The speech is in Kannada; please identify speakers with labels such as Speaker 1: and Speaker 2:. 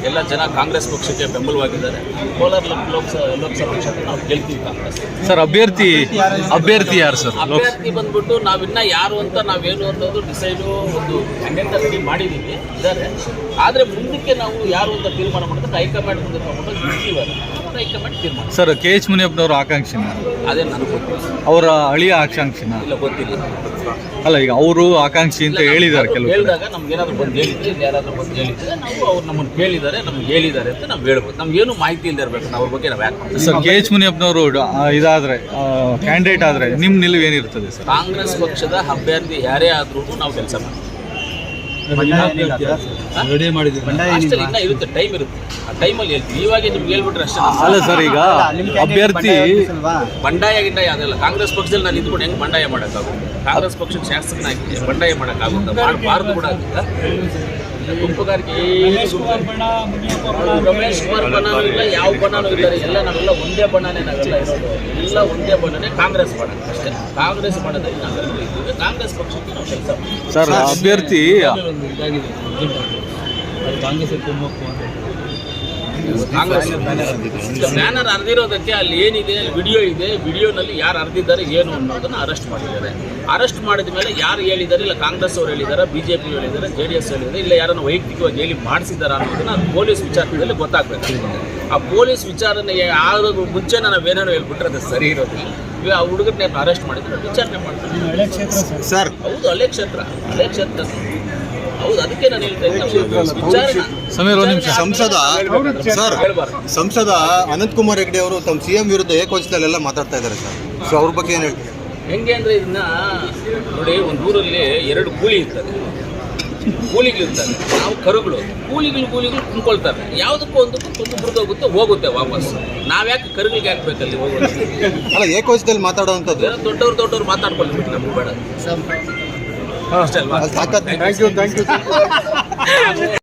Speaker 1: ಎಲ್ಲ ಜನ ಕಾಂಗ್ರೆಸ್ ಪಕ್ಷಕ್ಕೆ ಬೆಂಬಲವಾಗಿದ್ದಾರೆ. ಕೋಲಾರ ಲೋಕಸಭಾ ಕ್ಷೇತ್ರ ನಾವು ಗೆಲ್ತೀವಿ ಕಾಂಗ್ರೆಸ್.
Speaker 2: ಸರ್ ಅಭ್ಯರ್ಥಿ ಯಾರು ಸರ್?
Speaker 1: ಅಭ್ಯರ್ಥಿ ಬಂದ್ಬಿಟ್ಟು ನಾವಿನ್ನ ಯಾರು ಅಂತ ನಾವೇನು ಅನ್ನೋದು ಡಿಸೈಡು ಒಂದು ಕ್ಯಾಂಡಿಡೇಟ್ ರೆಡಿ ಮಾಡಿದ್ದೀವಿ ಇದ್ದಾರೆ. ಆದರೆ ಮುಂದಕ್ಕೆ ನಾವು ಯಾರು ಅಂತ ತೀರ್ಮಾನ ಮಾಡಿದ್ರೆ ಹೈಕಮಾಂಡ್ ಮುಂದೆ ತಗೊಂಡು ಇರ್ತೀವಲ್ಲ, ಹೈಕಮಾಂಡ್ ತೀರ್ಮಾನ.
Speaker 2: ಸರ್ ಕೆ ಎಚ್ ಮುನಿಯಪ್ಪನವ್ರ ಆಕಾಂಕ್ಷಿನ,
Speaker 1: ಅದೇ ನನಗೆ ಗೊತ್ತಿಲ್ಲ.
Speaker 2: ಅವರ ಅಳಿಯ ಆಕಾಂಕ್ಷಿನ
Speaker 1: ಇಲ್ಲ, ಗೊತ್ತಿಲ್ಲ.
Speaker 2: ಅಲ್ಲ, ಈಗ ಅವರು ಆಕಾಂಕ್ಷಿ ಅಂತ ಹೇಳಿದ್ದಾರೆ ಕೆಲವು
Speaker 1: ಹೇಳಿದಾಗ ನಮ್ಗೆ ಏನಾದ್ರು ಬಂದು ಹೇಳಿದ್ರೆ, ಯಾರಾದ್ರೂ ಬಂದು ಹೇಳಿದ್ರೆ ನಾವು ಅವ್ರು ನಮ್ಮನ್ನು ಕೇಳಿದ್ದಾರೆ, ನಮ್ಗೆ ಹೇಳಿದ್ದಾರೆ ಅಂತ ನಾವು ಹೇಳ್ಬೋದು. ನಮ್ಗೇನು ಮಾಹಿತಿ ಇಲ್ಲದೆ ಇರಬೇಕು, ನಾವು ಅವ್ರ ಬಗ್ಗೆ ನಾವು ಯಾಕೆ.
Speaker 2: ಸರ್ ಕೆ ಎಚ್ ಮುನಿಯಪ್ಪನವರು ಇದಾದ್ರೆ ಕ್ಯಾಂಡಿಡೇಟ್ ಆದ್ರೆ ನಿಮ್ಮ ನಿಲುವು ಏನಿರ್ತದೆ ಸರ್?
Speaker 1: ಕಾಂಗ್ರೆಸ್ ಪಕ್ಷದ ಅಭ್ಯರ್ಥಿ ಯಾರೇ ಆದ್ರೂ ನಾವು ಕೆಲಸ ಮಾಡ್ತೀವಿ. ಅಷ್ಟೇ, ಇನ್ನ ಇರುತ್ತೆ, ಟೈಮ್ ಇರುತ್ತೆ. ಆ ಟೈಮಲ್ಲಿ ಹೇಳ್ತೀವಿ. ಇವಾಗ ನಿಮ್ಗೆ ಹೇಳ್ಬಿಟ್ರೆ ಅಷ್ಟೇ.
Speaker 2: ಅಲ್ಲ ಸರ್, ಈಗ ಅಭ್ಯರ್ಥಿ
Speaker 1: ಬಂಡಾಯ ಗಿಂಡಾಯ ಅದೆಲ್ಲ ಕಾಂಗ್ರೆಸ್ ಪಕ್ಷದಲ್ಲಿ ನಾನು ಇದ್ಕೊಂಡು ಹೆಂಗೆ ಬಂಡಾಯ ಮಾಡೋಕ್ಕಾಗುತ್ತೆ? ಕಾಂಗ್ರೆಸ್ ಪಕ್ಷದ ಶಾಸಕನಾಗಿ ಬಂಡಾಯ ಮಾಡೋಕ್ಕಾಗುತ್ತೆ? ಮಾಡಬಾರ್ದು ಕೂಡ ಆಗುತ್ತೆ. ಗುಂಪುಗಾರಿಕೆ ರಮೇಶ್ ಕುಮಾರ್ ಬಣ್ಣನೂ ಇಲ್ಲ, ಯಾವ ಬಣ್ಣನೂ ಇದ್ದಾರೆ. ಎಲ್ಲ ನಾವೆಲ್ಲ ಒಂದೇ ಬಣ್ಣನೇ, ನಾವೆಲ್ಲ ಇರೋದು ಎಲ್ಲ ಒಂದೇ ಬಣ್ಣನೇ, ಕಾಂಗ್ರೆಸ್ ಬಣ್ಣ ಅಷ್ಟೇ. ಕಾಂಗ್ರೆಸ್ ಬಣ್ಣದಲ್ಲಿ ನಾವೆಲ್ಲ ಇದ್ದೀವಿ. ಕಾಂಗ್ರೆಸ್ ಪಕ್ಷಕ್ಕೆ ನಾವು ಕೆಲಸ ಮಾಡ್ತೀವಿ.
Speaker 2: ಸರ್ ಅಭ್ಯರ್ಥಿ
Speaker 1: ಕಾಂಗ್ರೆಸ್ ಬ್ಯಾನರ್ ಅರ್ದಿರೋದಕ್ಕೆ ಅಲ್ಲಿ ಏನಿದೆ, ವಿಡಿಯೋ ಇದೆ, ವಿಡಿಯೋನಲ್ಲಿ ಯಾರು ಅರ್ದಿದ್ದಾರೆ ಏನು ಅನ್ನೋದನ್ನು ಅರೆಸ್ಟ್ ಮಾಡಿದ್ದಾರೆ. ಅರೆಸ್ಟ್ ಮಾಡಿದ ಮೇಲೆ ಯಾರು ಹೇಳಿದ್ದಾರೆ, ಇಲ್ಲ ಕಾಂಗ್ರೆಸ್ ಅವರು ಹೇಳಿದ್ದಾರೆ, BJP ಹೇಳಿದ್ದಾರೆ, JDS ಹೇಳಿದ್ದಾರೆ, ಇಲ್ಲ ಯಾರನ್ನು ವೈಯಕ್ತಿಕವಾಗಿ ಹೇಳಿ ಮಾಡಿಸಿದ್ದಾರೆ ಅನ್ನೋದನ್ನು ಪೊಲೀಸ್ ವಿಚಾರಣೆಯಲ್ಲಿ ಗೊತ್ತಾಗಬೇಕು. ಆ ಪೊಲೀಸ್ ವಿಚಾರಣೆ ಆಗೋದು ಮುಂಚೆ ನಾವೇನೇನೋ ಹೇಳ್ಬಿಟ್ರೆ ಅದು ಸರಿ ಇರೋದಿಲ್ಲ. ಆ ಹುಡುಗರನ್ನ ಅರೆಸ್ಟ್ ಮಾಡಿದ್ರೆ ವಿಚಾರಣೆ ಮಾಡ್ತಾರೆ.
Speaker 3: ಸರ್
Speaker 1: ಹೌದು, ಹಳೆ ಕ್ಷೇತ್ರ ಹೌದು. ಅದಕ್ಕೆ ನಾನು ಹೇಳ್ತಾ ಇದ್ದೀನಿ,
Speaker 2: ಸಮೀರ್ ಒಂದು ನಿಮಿಷ.
Speaker 3: ಸಂಸದ ಅನಂತಕುಮಾರ್ ಹೆಗಡೆ ಅವರು ತಮ್ಮ CM ವಿರುದ್ಧ ಏಕವಚನದಲ್ಲೆಲ್ಲ ಮಾತಾಡ್ತಾ ಇದ್ದಾರೆ ಸರ್. ಸೊ ಅವ್ರ ಬಗ್ಗೆ ಏನು ಹೇಳ್ತೀವಿ?
Speaker 1: ಹೆಂಗೆ ಅಂದರೆ ಇದನ್ನ ನೋಡಿ, ಒಂದು ಊರಲ್ಲಿ 2 ಕೂಲಿ ಇರ್ತದೆ, ಕೂಲಿಗಳಿರ್ತಾರೆ, ನಾವು ಕರುಗಳು. ಕೂಲಿಗಳು ಕುಂದ್ಕೊಳ್ತಾರೆ. ಯಾವುದಕ್ಕೂ ಒಂದಕ್ಕೂ ತುಂಬ ಮುರಿದೋಗುತ್ತೆ, ಹೋಗುತ್ತೆ ವಾಪಸ್. ನಾವ್ಯಾಕೆ ಕರುಗಳಿಗೆ ಹಾಕ್ಬೇಕಲ್ಲಿ ಹೋಗೋದು?
Speaker 3: ಅಲ್ಲ, ಏಕವಚನದಲ್ಲಿ ಮಾತಾಡೋವಂಥದ್ದು.
Speaker 1: ದೊಡ್ಡವ್ರು ಮಾತಾಡ್ಕೊಳ್ಬಿಟ್ಟು ನಮ್ಗೆ ಬೇಡ ಅಷ್ಟೇ ಅಲ್ವಾ?
Speaker 3: Thank you